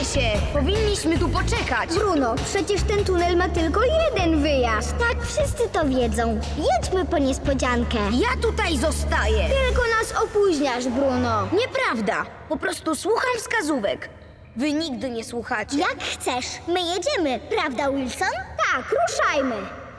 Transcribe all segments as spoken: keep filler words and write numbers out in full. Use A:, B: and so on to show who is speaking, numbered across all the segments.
A: się! Powinniśmy tu poczekać.
B: Bruno, przecież ten tunel ma tylko jeden wyjazd. Tak, wszyscy to wiedzą. Jedźmy po niespodziankę.
A: Ja tutaj zostaję.
B: Tylko nas opóźniasz, Bruno.
A: Nieprawda. Po prostu słucham wskazówek. Wy nigdy nie słuchacie.
B: Jak chcesz. My jedziemy, prawda, Wilson? Tak, ruszajmy.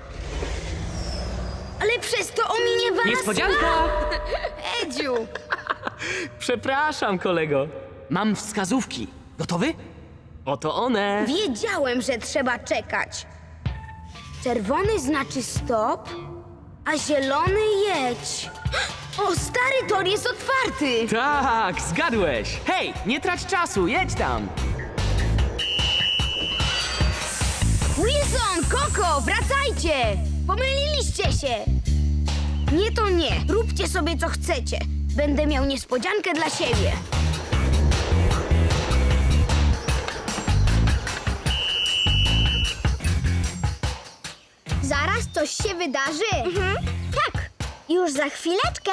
A: Ale przez to ominie was...
C: Niespodzianka!
A: Edziu!
C: Przepraszam, kolego. Mam wskazówki. Gotowy? Oto one.
A: Wiedziałem, że trzeba czekać. Czerwony znaczy stop, a zielony jedź. O, stary tor jest otwarty!
C: Tak, zgadłeś. Hej, nie trać czasu, jedź tam.
A: Wilson, Koko, wracajcie! Pomyliliście się! Nie to nie. Róbcie sobie co chcecie. Będę miał niespodziankę dla siebie.
B: Zaraz coś się wydarzy. Mhm. Tak, już za chwileczkę.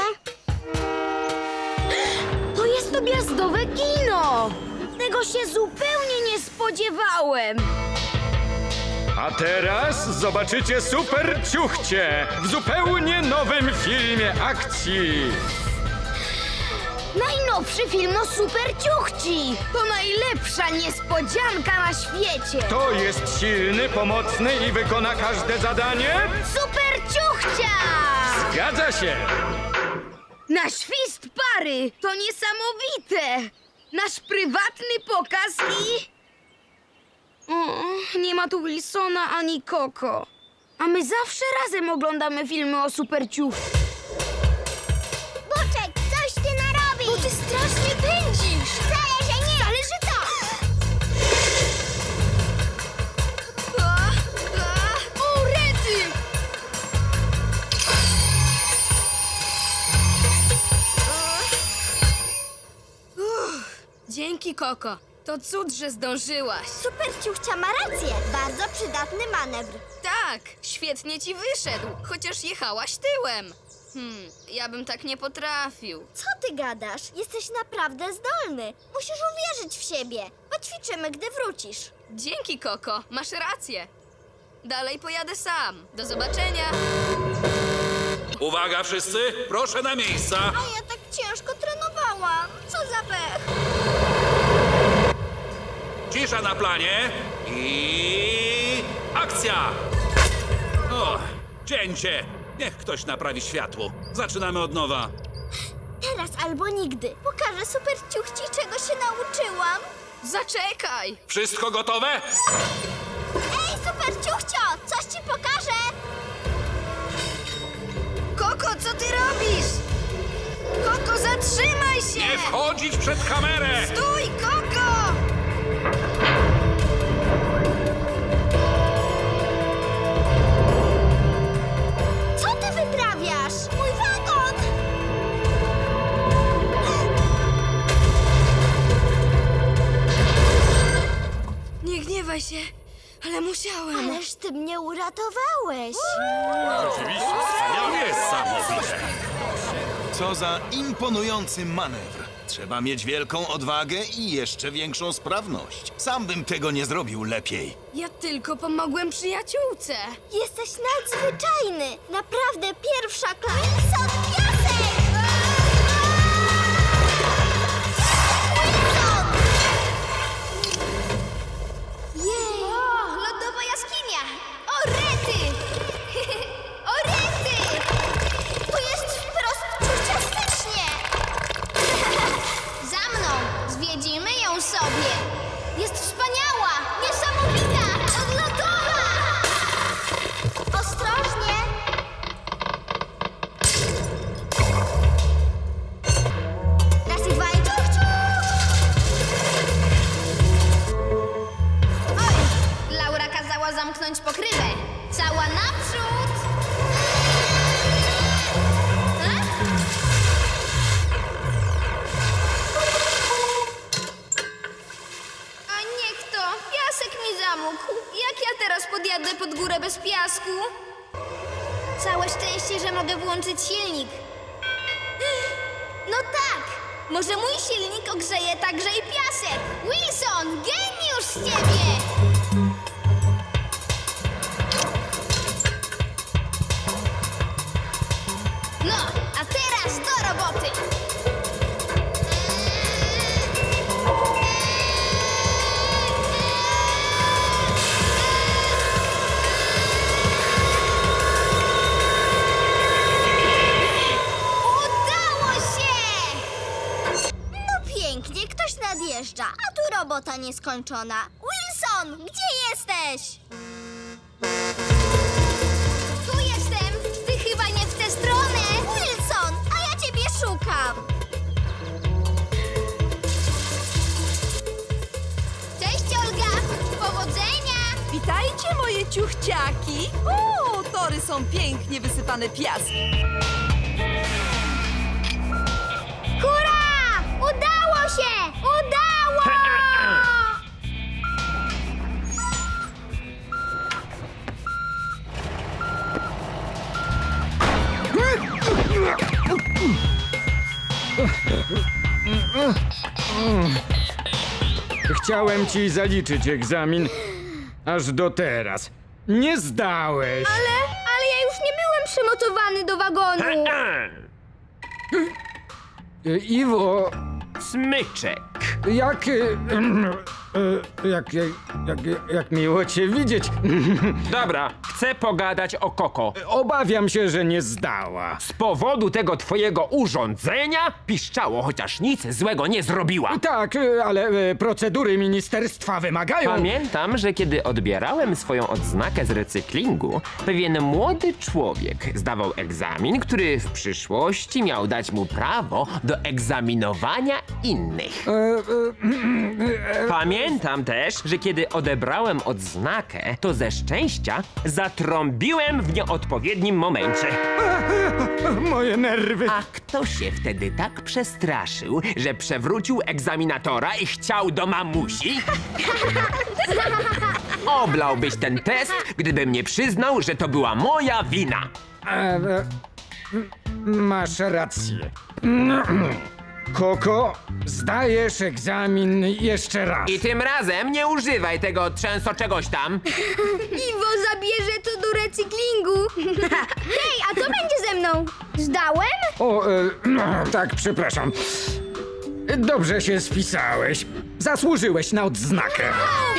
A: To jest objazdowe kino! Tego się zupełnie nie spodziewałem.
D: A teraz zobaczycie Super Ciuchcie w zupełnie nowym filmie akcji.
A: Najnowszy film o Super Ciuchci! To najlepsza niespodzianka na świecie!
D: To jest silny, pomocny i wykona każde zadanie?
A: Super Ciuchcia!
D: Zgadza się!
A: Na świst pary! To niesamowite! Nasz prywatny pokaz i... O, nie ma tu Wilsona ani Koko. A my zawsze razem oglądamy filmy o Super Ciuchci.
B: Boczek, coś ty narobisz!
A: Bo ty strasznie pędzisz!
B: Wcale, że nie!
A: Ale że tak! A, a, o, rety!
E: Dzięki, Koko. To cud, że zdążyłaś.
B: Super Ciuchcia ma rację. Bardzo przydatny manewr.
E: Tak, świetnie ci wyszedł, chociaż jechałaś tyłem. Hmm, ja bym tak nie potrafił.
B: Co ty gadasz? Jesteś naprawdę zdolny. Musisz uwierzyć w siebie. Poćwiczymy, gdy wrócisz.
E: Dzięki, Koko, masz rację. Dalej pojadę sam. Do zobaczenia.
F: Uwaga wszyscy, proszę na miejsca.
B: A ja tak ciężko trenowałam. Co za pech.
F: Cisza na planie i akcja! O, cięcie. Niech ktoś naprawi światło. Zaczynamy od nowa.
B: Teraz albo nigdy. Pokażę Super Ciuchci, czego się nauczyłam.
E: Zaczekaj!
F: Wszystko gotowe?
B: Ej, Super Ciuchcio, coś ci pokażę.
A: Koko, co ty robisz? Koko, zatrzymaj się!
F: Nie wchodzić przed kamerę!
A: Stój, Koko!
B: Co ty wyprawiasz? Mój wagon!
E: Nie gniewaj się, ale musiałem.
B: Ależ ty mnie uratowałeś.
F: Niesamowite.
G: Co za imponujący manewr. Trzeba mieć wielką odwagę i jeszcze większą sprawność. Sam bym tego nie zrobił lepiej.
E: Ja tylko pomogłem przyjaciółce.
B: Jesteś nadzwyczajny. Naprawdę pierwsza klasa. Wilson, piasek! Wilson! Jej! O, lodowa jaskinia! O, rety! O, rety! Tu jest wprost ciuciastycznie! Za mną! Zwiedzimy ją sobie! Jest wspaniała! Niesamowita! Odlotowa! Ostrożnie! Raz i dwa i ciuch, ciuch! Oj! Laura kazała zamknąć pokrywę. Cała naprzód! E? A niech to! Piasek mi zamógł. Jak ja teraz podjadę pod górę bez piasku? Całe szczęście, że mogę włączyć silnik. No tak! Może mój silnik ogrzeje także i piasek. Wilson, geniusz! już z ciebie! No, a teraz do roboty! Udało się!
H: No pięknie, ktoś nadjeżdża, a tu robota nieskończona. Wilson, gdzie jesteś?
B: Tu jestem! Ty chyba nie w tę stronę!
H: Wilson, a ja ciebie szukam.
B: Cześć, Olga! Powodzenia!
I: Witajcie, moje ciuchciaki! O, tory są pięknie wysypane piaskiem.
B: Hurra! Udało się! Udało!
D: Chciałem ci zaliczyć egzamin, aż do teraz. Nie zdałeś.
B: Ale, ale ja już nie byłem przymocowany do wagonu.
D: E, Iwo,
C: Smyczek.
D: jak... e, e, Jak, jak, jak, jak miło cię widzieć.
C: Dobra, chcę pogadać o Koko.
D: Obawiam się, że nie zdała.
C: Z powodu tego twojego urządzenia piszczało, chociaż nic złego nie zrobiła.
D: Tak, e, ale e, procedury ministerstwa wymagają...
C: Pamiętam, że kiedy odbierałem swoją odznakę z recyklingu, pewien młody człowiek zdawał egzamin, który w przyszłości miał dać mu prawo do egzaminowania innych.
D: E, e, e,
C: Pamiętam też, że kiedy odebrałem odznakę, to ze szczęścia zatrąbiłem w nieodpowiednim momencie.
D: Moje nerwy.
C: A kto się wtedy tak przestraszył, że przewrócił egzaminatora i chciał do mamusi? Oblałbyś ten test, gdybym nie przyznał, że to była moja wina.
D: E, e, m- Masz rację. Koko, zdajesz egzamin jeszcze raz.
C: I tym razem nie używaj tego trzęso czegoś tam.
B: Iwo zabierze to do recyklingu. Hej, a co będzie ze mną? Zdałem?
D: O, e, no, tak, przepraszam. Dobrze się spisałeś. Zasłużyłeś na odznakę.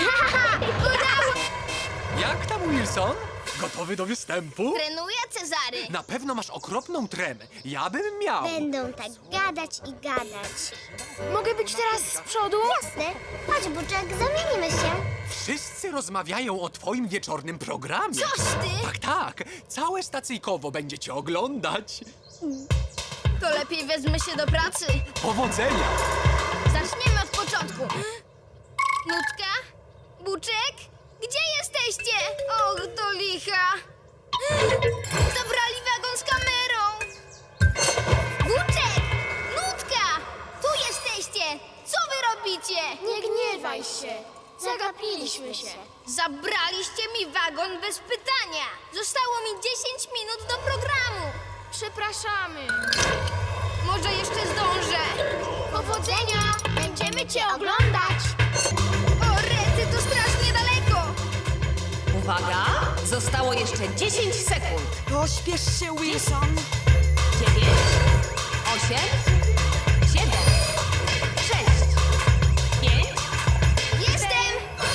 J: Jak tam, Wilson? Gotowy do występu?
B: Trenuję, Cezary.
J: Na pewno masz okropną tremę. Ja bym miał.
H: Będą tak gadać i gadać.
B: Mogę być teraz z przodu?
H: Jasne, chodź Buczek, zamienimy się.
J: Wszyscy rozmawiają o twoim wieczornym programie.
B: Coś ty?
J: Tak, tak. Całe stacyjkowo będzie cię oglądać.
B: To lepiej wezmę się do pracy.
J: Powodzenia!
B: Zaczniemy od początku. Nutka? Buczek? Gdzie jesteście? Och, to licha. Zabrali wagon z kamerą. Buczek! Nutka! Tu jesteście! Co wy robicie?
K: Nie gniewaj się. Zagapiliśmy się.
B: Zabraliście mi wagon bez pytania. Zostało mi dziesięć minut do programu.
K: Przepraszamy.
B: Może jeszcze zdążę.
K: Powodzenia! Będziemy cię oglądać.
B: O, rety, to strasznie daleko.
I: Uwaga! Zostało jeszcze dziesięć sekund.
L: Pośpiesz się, Wilson.
I: dziewięć, osiem, siedem, sześć, pięć,
B: Jestem!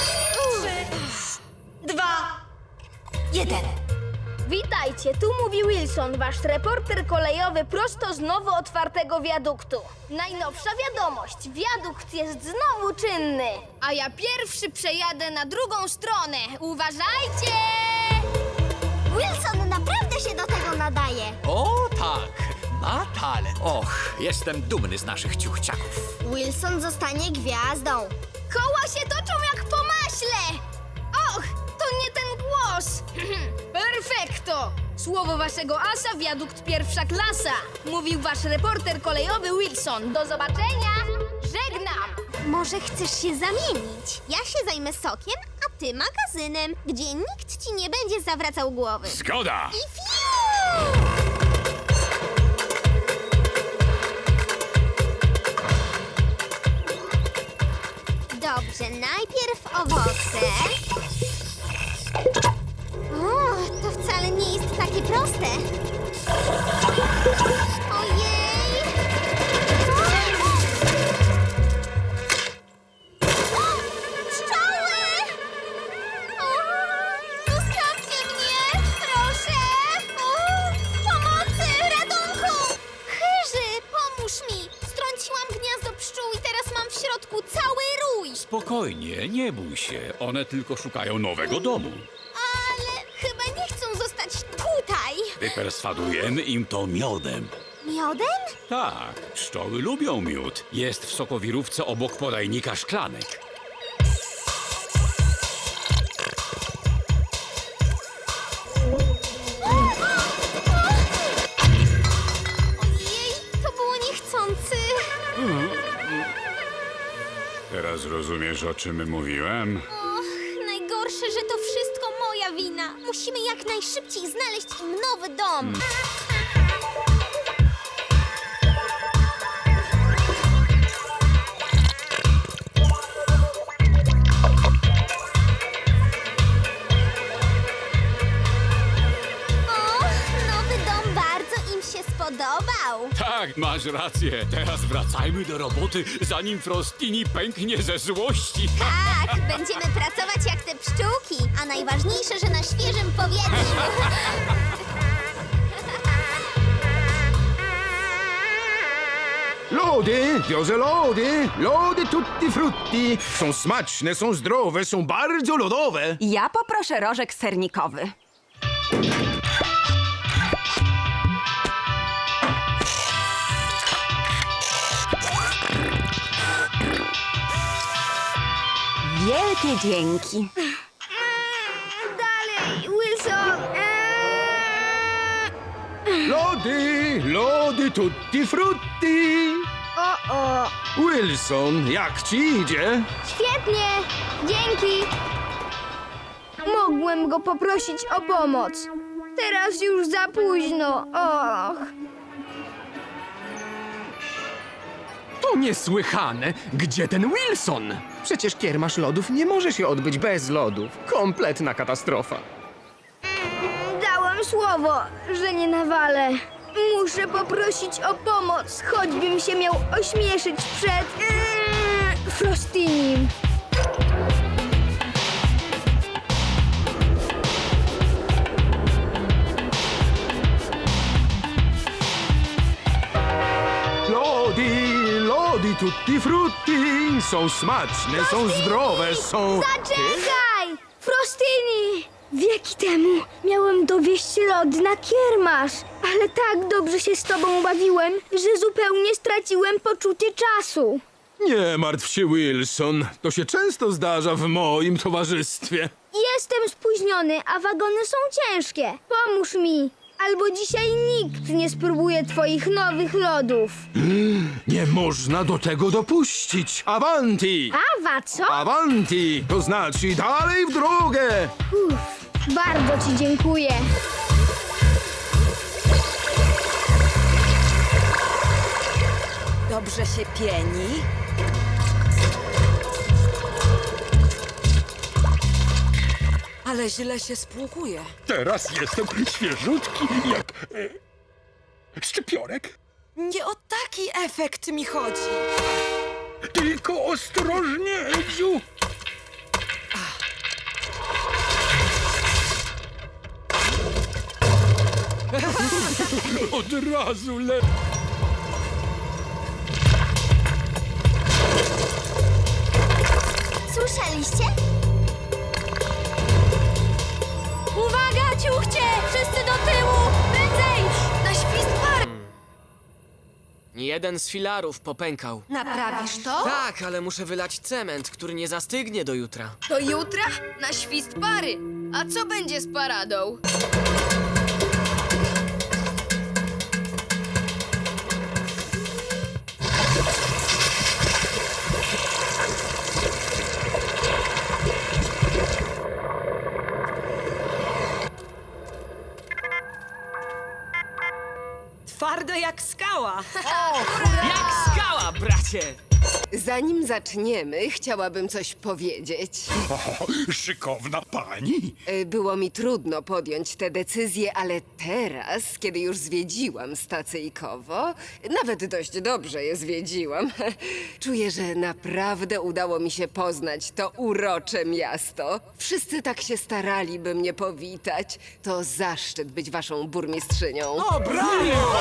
I: dwa, jeden.
B: Witajcie, tu mówi Wilson, wasz reporter kolejowy prosto z nowo otwartego wiaduktu. Najnowsza wiadomość, wiadukt jest znowu czynny. A ja pierwszy przejadę na drugą stronę. Uważajcie!
H: Wilson naprawdę się do tego nadaje.
J: O tak, ma talent. Och, jestem dumny z naszych ciuchciaków.
H: Wilson zostanie gwiazdą.
B: Koła się toczą jak po maśle! Och, to nie ten głos! Perfekto! Słowo waszego asa, wiadukt pierwsza klasa. Mówił wasz reporter kolejowy Wilson. Do zobaczenia! Żegnam!
H: Może chcesz się zamienić? Ja się zajmę sokiem, a ty magazynem, gdzie nikt ci nie będzie zawracał głowy.
F: Zgoda!
H: I fiu! Dobrze. Dobrze, najpierw owoce. O, to wcale nie jest takie proste. Ojej! O! Pszczoły! O, zostawcie mnie, proszę! O, pomocy, ratunku! Chyży, pomóż mi! Strąciłam gniazdo pszczół i teraz mam w środku cały rój.
J: Spokojnie, nie bój się. One tylko szukają nowego domu.
H: Ale chyba nie chcą zostać tutaj.
J: Wyperswadujemy im to miodem.
H: Miodem?
J: Tak, pszczoły lubią miód. Jest w sokowirówce obok podajnika szklanek.
H: Ojej, to było niechcący.
J: Teraz rozumiesz, o czym mówiłem?
H: Och, najgorsze, że to wszystko moja wina. Musimy jak najszybciej znaleźć im nowy dom. Och, nowy dom bardzo im się spodobał.
J: Tak, masz rację. Teraz wracajmy do roboty, zanim Frostini pęknie ze złości.
H: Tak, będziemy pracować jak te pszczółki, a najważniejsze, że na świeżym powietrzu.
D: Lody, wiozę lody, lody tutti frutti. Są smaczne, są zdrowe, są bardzo lodowe.
I: Ja poproszę rożek sernikowy. Wielkie dzięki.
A: Dalej, Wilson! Eee.
D: Lody, lody tutti frutti.
A: O, o!
D: Wilson, jak ci idzie?
A: Świetnie! Dzięki! Mogłem go poprosić o pomoc. Teraz już za późno. Och.
M: To niesłychane! Gdzie ten Wilson? Przecież kiermasz lodów nie może się odbyć bez lodów. Kompletna katastrofa.
A: Dałem słowo, że nie nawalę. Muszę poprosić o pomoc, choćbym się miał ośmieszyć przed... Yy, Frostinim.
D: Lody, lody tutti frutti. Są smaczne, są zdrowe, są...
A: Zaczekaj! Frostini! Wieki temu miałem dowieść lody na kiermasz, ale tak dobrze się z tobą bawiłem, że zupełnie straciłem poczucie czasu.
D: Nie martw się, Wilson. To się często zdarza w moim towarzystwie.
A: Jestem spóźniony, a wagony są ciężkie. Pomóż mi, albo dzisiaj nikt nie spróbuje twoich nowych lodów.
D: Nie można do tego dopuścić. Avanti!
A: Awa, co?
D: Avanti! To znaczy dalej w drogę!
A: Uff, bardzo ci dziękuję.
I: Dobrze się pieni. Ale źle się spłukuje.
F: Teraz jestem świeżutki jak e, szczypiorek.
I: Nie o taki efekt mi chodzi.
F: Tylko ostrożnie, Edziu. Od razu le...
H: Słyszeliście?
B: Uwaga, ciuchcie! Wszyscy do tyłu! Prędzej! Na świst pary!
N: Jeden z filarów popękał.
B: Naprawisz to?
N: Tak, ale muszę wylać cement, który nie zastygnie do jutra.
E: Do jutra? Na świst pary. A co będzie z paradą?
L: Twardo jak skała.
N: Jak skała, bracie!
O: Zanim zaczniemy, chciałabym coś powiedzieć.
F: O, szykowna pani.
O: Y, Było mi trudno podjąć tę decyzję, ale teraz, kiedy już zwiedziłam stacyjkowo, nawet dość dobrze je zwiedziłam, czuję, że naprawdę udało mi się poznać to urocze miasto. Wszyscy tak się starali, by mnie powitać. To zaszczyt być waszą burmistrzynią.
L: O, brawo!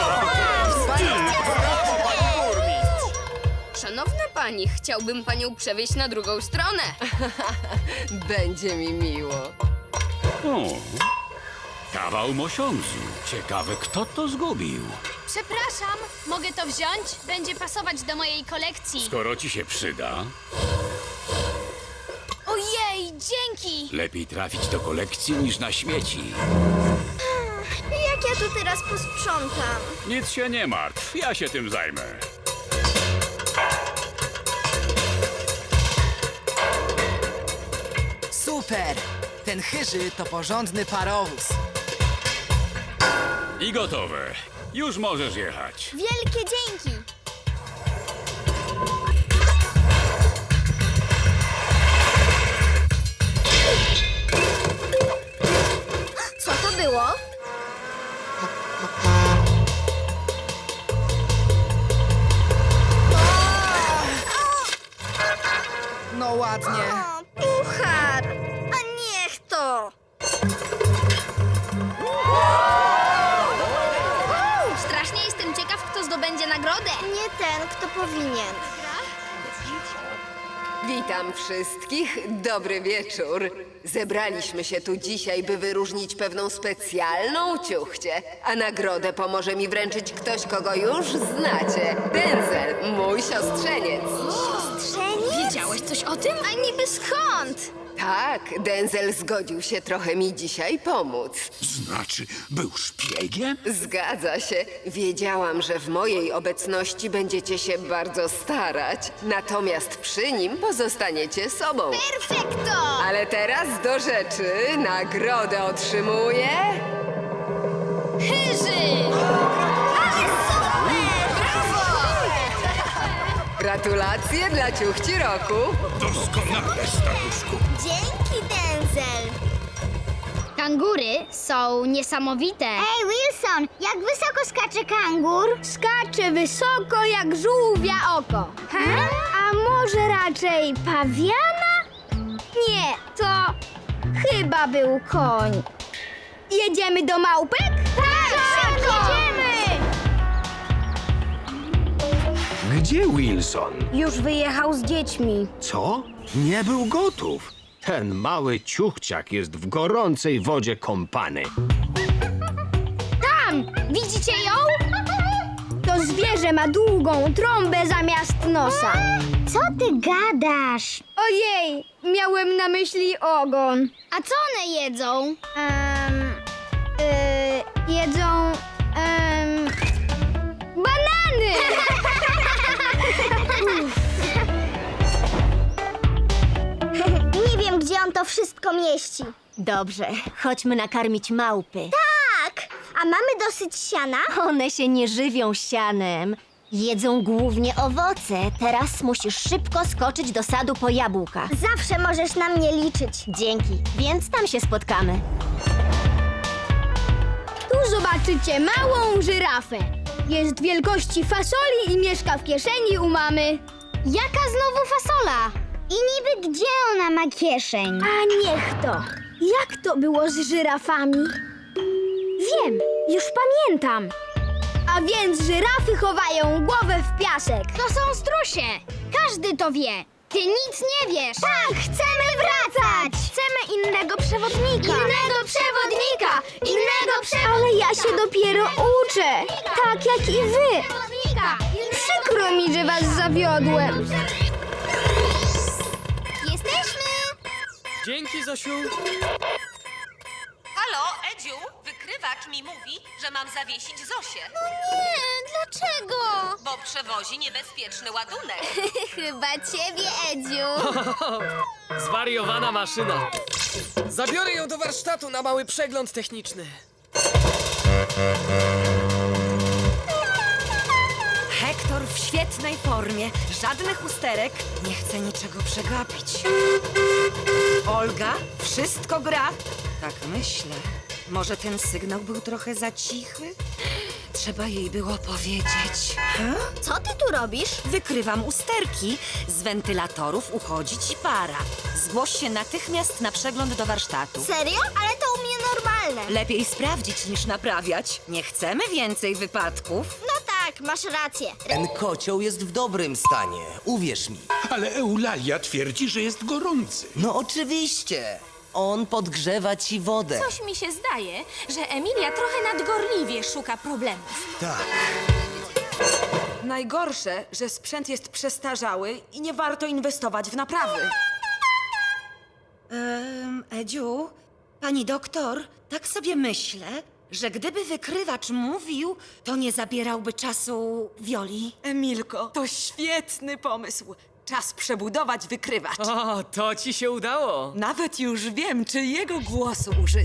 E: Szanowna pani, chciałbym panią przewieźć na drugą stronę.
O: Będzie mi miło.
J: O, kawał mosiądzu. Ciekawe, kto to zgubił.
K: Przepraszam, mogę to wziąć? Będzie pasować do mojej kolekcji.
J: Skoro ci się przyda,
K: Ojej, dzięki!
J: lepiej trafić do kolekcji niż na śmieci.
H: Jak ja tu teraz posprzątam?
J: Nic się nie martw, ja się tym zajmę.
L: Super! Ten chyży to porządny parowóz.
J: I gotowe. Już możesz jechać.
H: Wielkie dzięki! Co to było?
L: No ładnie.
H: O, puchar! A niech to!
B: Strasznie jestem ciekaw, kto zdobędzie nagrodę.
H: Nie ten, kto powinien.
O: Witam wszystkich, dobry wieczór. Zebraliśmy się tu dzisiaj, by wyróżnić pewną specjalną ciuchcię, a nagrodę pomoże mi wręczyć ktoś, kogo już znacie. Denzel, mój siostrzeniec.
H: Siostrzeniec?
B: Wiedziałeś coś o tym?
H: A niby skąd?
O: Tak, Denzel zgodził się trochę mi dzisiaj pomóc.
F: Znaczy, był szpiegiem?
O: Zgadza się. Wiedziałam, że w mojej obecności będziecie się bardzo starać, natomiast przy nim pozostaniecie sobą.
H: Perfekto!
O: Ale teraz do rzeczy. Nagrodę otrzymuje...
B: Hyży!
H: Ale super! Brawo!
O: Gratulacje dla ciuchci roku.
F: Doskonale, staruszku.
H: Dzięki, Denzel!
B: Kangury są niesamowite.
H: Ej, Wilson, jak wysoko skacze kangur?
A: Skacze wysoko jak żółwia oko.
H: Ha?
A: A może raczej pawiana? Nie, to chyba był koń. Jedziemy do małpek? Tak, szybko! Jedziemy!
M: Gdzie Wilson?
A: Już wyjechał z dziećmi.
M: Co? Nie był gotów. Ten mały ciuchciak jest w gorącej wodzie kąpany.
A: Tam! Widzicie ją? To zwierzę ma długą trąbę zamiast nosa.
H: Co ty gadasz?
A: Ojej, miałem na myśli ogon.
B: A co one jedzą?
A: Um, y, jedzą um, banany!
H: Nie wiem, gdzie on to wszystko mieści.
P: Dobrze, chodźmy nakarmić małpy.
H: Tak! A mamy dosyć siana?
P: One się nie żywią sianem. Jedzą głównie owoce. Teraz musisz szybko skoczyć do sadu po jabłka.
H: Zawsze możesz na mnie liczyć.
P: Dzięki, więc tam się spotkamy.
A: Tu zobaczycie małą żyrafę. Jest wielkości fasoli i mieszka w kieszeni u mamy.
B: Jaka znowu fasola?
H: I niby gdzie ona ma kieszeń?
A: A niech to. Jak to było z żyrafami? Wiem, już pamiętam. A więc żyrafy chowają głowę w piasek.
B: To są strusie. Każdy to wie. Ty nic nie wiesz.
H: Tak, chcemy wracać!
A: Chcemy innego przewodnika.
H: Innego przewodnika! Innego przewodnika!
A: Ale ja się dopiero uczę. Tak jak i wy.
H: Przewodnika!
A: Przykro mi, że was zawiodłem.
H: Jesteśmy!
N: Dzięki, Zosiu.
I: Halo, Edziu, wykrywacz mi mówi, że mam zawiesić Zosię,
H: Nie, dlaczego?
I: bo przewozi niebezpieczny ładunek.
H: Chyba ciebie, Edziu.
N: Zwariowana maszyna. Zabiorę ją do warsztatu na mały przegląd techniczny.
Q: Hektor w świetnej formie. Żadnych usterek. Nie chcę niczego przegapić. Olga, wszystko gra? Tak myślę. Może ten sygnał był trochę za cichy? Trzeba jej było powiedzieć.
H: Co ty tu robisz?
Q: Wykrywam usterki. Z wentylatorów uchodzi ci para. Zgłoś się natychmiast na przegląd do warsztatu.
H: Serio? Ale to u mnie normalne.
Q: Lepiej sprawdzić niż naprawiać. Nie chcemy więcej wypadków.
H: No tak, masz rację.
R: Ten kocioł jest w dobrym stanie, uwierz mi.
F: Ale Eulalia twierdzi, że jest gorący.
R: No oczywiście. On podgrzewa ci wodę.
S: Coś mi się zdaje, że Emilia trochę nadgorliwie szuka problemów.
R: Tak.
Q: Najgorsze, że sprzęt jest przestarzały i nie warto inwestować w naprawy. Um, Edziu, pani doktor, tak sobie myślę, że gdyby wykrywacz mówił, to nie zabierałby czasu Wioli.
I: Emilko, to świetny pomysł. Czas przebudować wykrywacz.
N: O, to ci się udało.
I: Nawet już wiem, czy jego głosu użyć.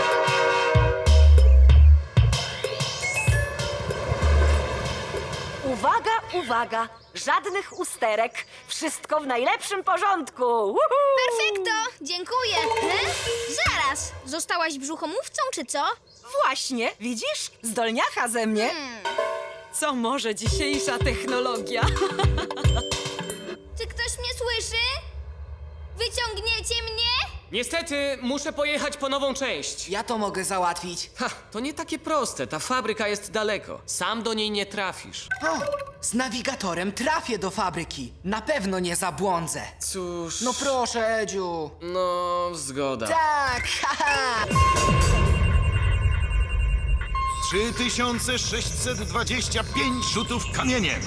Q: Uwaga, uwaga! Żadnych usterek. Wszystko w najlepszym porządku.
B: Perfekto! Dziękuję! He? Zaraz! Zostałaś brzuchomówcą, czy co?
Q: Właśnie, widzisz? Zdolniacha ze mnie.
I: Co może dzisiejsza technologia?
B: Czy ktoś mnie słyszy? Wyciągniecie mnie?
N: Niestety, muszę pojechać po nową część.
L: Ja to mogę załatwić.
N: Ha, to nie takie proste. Ta fabryka jest daleko. Sam do niej nie trafisz.
L: O, z nawigatorem trafię do fabryki. Na pewno nie zabłądzę.
N: Cóż...
L: No proszę, Edziu.
N: No, zgoda.
L: Tak, haha.
G: trzy tysiące sześćset dwadzieścia pięć rzutów kamieniem.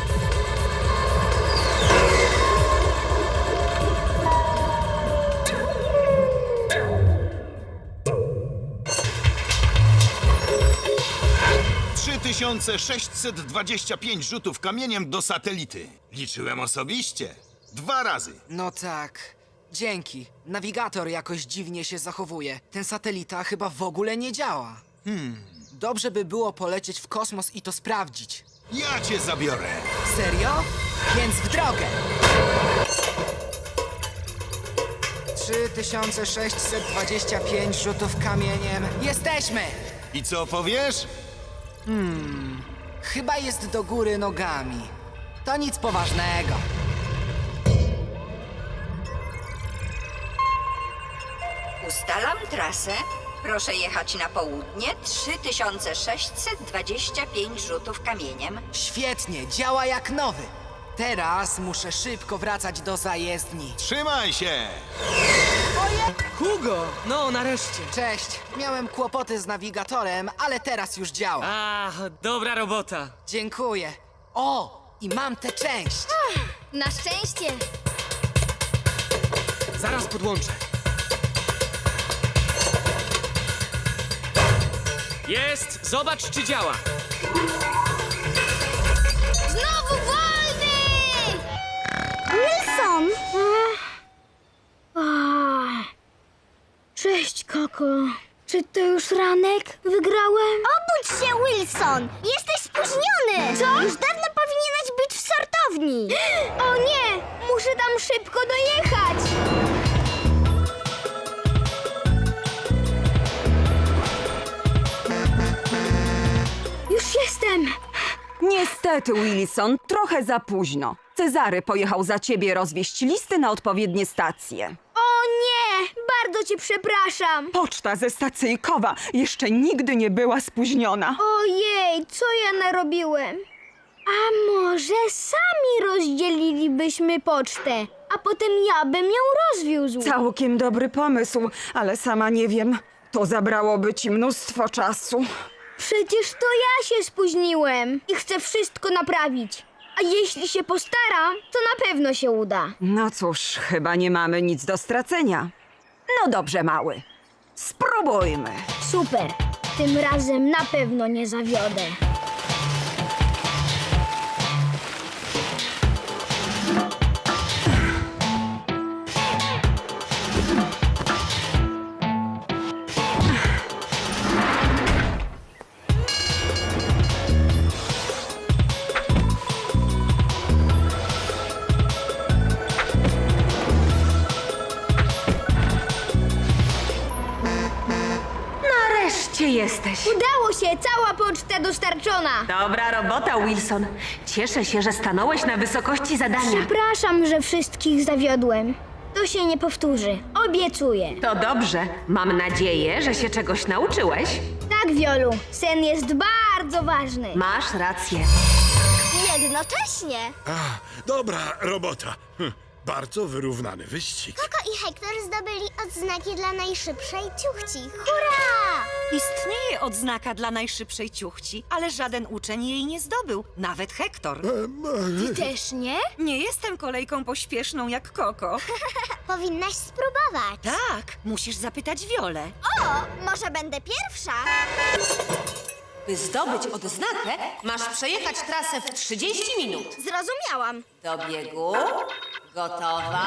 G: trzy tysiące sześćset dwadzieścia pięć rzutów kamieniem do satelity. Liczyłem osobiście. Dwa razy.
L: No tak. Dzięki. Nawigator jakoś dziwnie się zachowuje. Ten satelita chyba w ogóle nie działa.
G: Hmm.
L: Dobrze by było polecieć w kosmos i to sprawdzić.
G: Ja cię zabiorę.
L: Serio? Więc w drogę! trzy tysiące sześćset dwadzieścia pięć rzutów kamieniem. Jesteśmy!
G: I co powiesz?
L: Hmm, chyba jest do góry nogami. To nic poważnego.
T: Ustalam trasę. Proszę jechać na południe. trzy tysiące sześćset dwadzieścia pięć rzutów kamieniem.
L: Świetnie, działa jak nowy. Teraz muszę szybko wracać do zajezdni.
G: Trzymaj się!
N: Hugo! No, nareszcie.
L: Cześć. Miałem kłopoty z nawigatorem, ale teraz już działa.
N: A, dobra robota.
L: Dziękuję. O, i mam tę część.
B: Na szczęście!
N: Zaraz podłączę. Jest! Zobacz, czy działa.
B: Znowu wolny!
A: Wilson! Cześć, Koko. Czy to już ranek? Wygrałem?
H: Obudź się, Wilson! Jesteś spóźniony!
A: Co?
H: Już dawno powinieneś być w sortowni.
A: O nie! Muszę tam szybko dojechać! Już jestem!
I: Niestety, Wilson, trochę za późno. Cezary pojechał za ciebie rozwieźć listy na odpowiednie stacje.
A: O nie! Bardzo cię przepraszam!
I: Poczta ze stacyjkowa jeszcze nigdy nie była spóźniona.
A: Ojej, co ja narobiłem? A może sami rozdzielilibyśmy pocztę, a potem ja bym ją rozwiózł?
I: Całkiem dobry pomysł, ale sama nie wiem. To zabrałoby ci mnóstwo czasu.
A: Przecież to ja się spóźniłem i chcę wszystko naprawić. A jeśli się postaram, to na pewno się uda.
I: No cóż, chyba nie mamy nic do stracenia. No dobrze, mały. Spróbujmy.
A: Super. Tym razem na pewno nie zawiodę.
U: jesteś?
B: Udało się! Cała poczta dostarczona!
U: Dobra robota, Wilson. Cieszę się, że stanąłeś na wysokości zadania.
B: Przepraszam, że wszystkich zawiodłem. To się nie powtórzy. Obiecuję.
U: To dobrze. Mam nadzieję, że się czegoś nauczyłeś.
B: Tak, Wiolu. Sen jest bardzo ważny.
U: Masz rację.
H: Jednocześnie.
F: A, dobra robota. Hm, bardzo wyrównany wyścig.
H: Koko i Hektor zdobyli odznaki dla najszybszej ciuchci. Hurra!
Q: Istnieje odznaka dla najszybszej ciuchci, ale żaden uczeń jej nie zdobył, nawet Hektor.
B: Ty też nie?
Q: Nie jestem kolejką pośpieszną jak Koko.
H: Powinnaś spróbować.
Q: Tak, musisz zapytać Wiolę.
H: O, może będę pierwsza?
U: By zdobyć odznakę, masz przejechać trasę w trzydzieści minut.
H: Zrozumiałam.
U: Do biegu. Gotowa.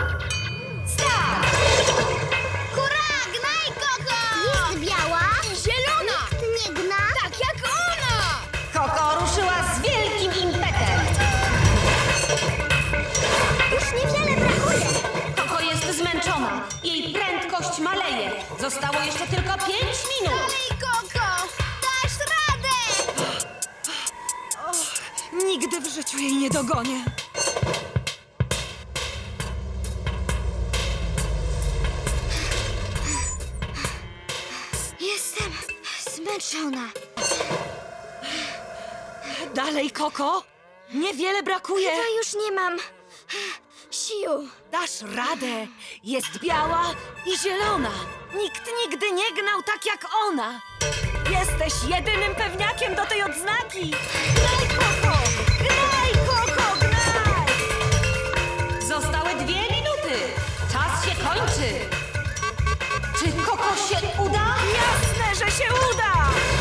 B: Hurra! Gnaj, Koko!
H: Jest biała.
B: I zielona!
H: Nikt nie gna.
B: Tak jak ona!
U: Koko ruszyła z wielkim impetem.
H: Już niewiele brakuje.
U: Koko jest zmęczona. Jej prędkość maleje. Zostało jeszcze tylko pięć minut.
B: Dalej, Koko! Dasz radę!
Q: Nigdy w życiu jej nie dogonię.
B: Jestem zmęczona.
Q: Dalej, Koko. Niewiele brakuje.
B: Chyba już nie mam sił.
Q: Dasz radę. Jest biała i zielona. Nikt nigdy nie gnał tak jak ona. Jesteś jedynym pewniakiem do tej odznaki. Gnaj, Koko! Gnaj, Koko, gnaj!
U: Zostały dwie minuty. Czas się kończy. Czy Koko się uda?
Q: Jasne, że się uda!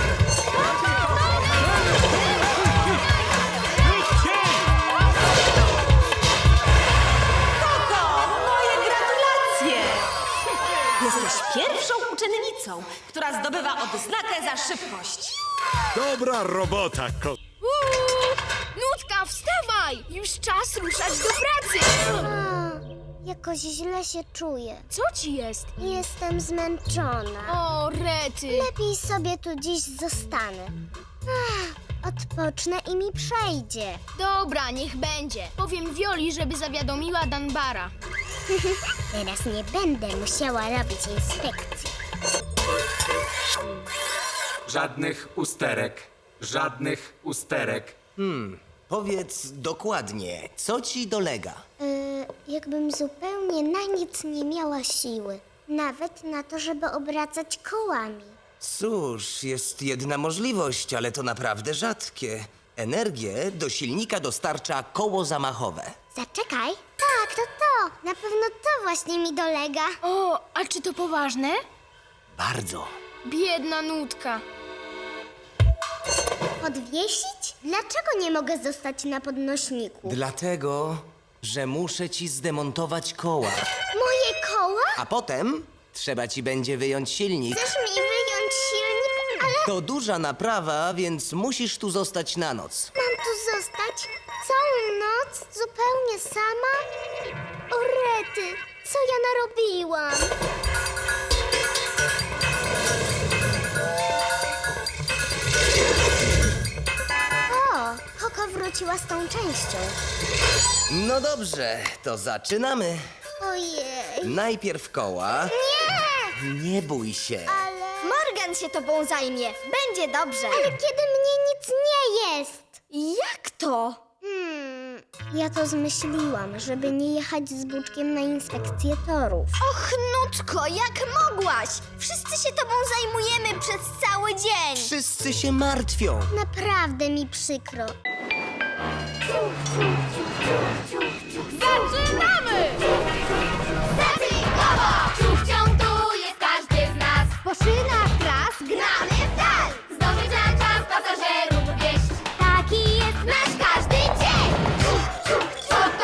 U: Koko, moje gratulacje! Jesteś pierwszą uczennicą, która zdobywa odznakę za szybkość.
F: Dobra robota, ko...
B: Uuu! Nutka, wstawaj! Już czas ruszać do pracy!
H: Jakoś źle się czuję.
B: Co ci jest?
H: Jestem zmęczona.
B: O, rety!
H: Lepiej sobie tu dziś zostanę. Ach, odpocznę i mi przejdzie.
B: Dobra, niech będzie. Powiem Wioli, żeby zawiadomiła Danbara.
H: Teraz nie będę musiała robić inspekcji.
M: Żadnych usterek. Żadnych usterek.
R: Hmm, powiedz dokładnie, co ci dolega?
H: Yy, jakbym zupełnie na nic nie miała siły. Nawet na to, żeby obracać kołami.
R: Cóż, jest jedna możliwość, ale to naprawdę rzadkie. Energię do silnika dostarcza koło zamachowe.
H: Zaczekaj. Tak, to to. Na pewno to właśnie mi dolega.
B: O, a czy to poważne?
R: Bardzo.
B: Biedna Nutka.
H: Podwiesić? Dlaczego nie mogę zostać na podnośniku?
R: Dlatego, że muszę ci zdemontować koła.
H: Moje koła?
R: A potem trzeba ci będzie wyjąć silnik.
H: Chcesz mi wyjąć silnik? Ale
R: To duża naprawa, więc musisz tu zostać na noc.
H: mam tu zostać całą noc? Zupełnie sama? O rety, co ja narobiłam? O, Koko wróciła z tą częścią.
R: No dobrze, to zaczynamy.
H: Ojej.
R: Najpierw koła.
H: Nie!
R: Nie bój się.
H: Ale... Morgan się tobą zajmie. Będzie dobrze. Ale kiedy mnie nic nie jest. Jak to? Hmm, ja to zmyśliłam, żeby nie jechać z Buczkiem na inspekcję torów. Och, Nutko, jak mogłaś? Wszyscy się tobą zajmujemy przez cały dzień.
R: Wszyscy się martwią.
H: Naprawdę mi przykro.
B: Zaczynamy!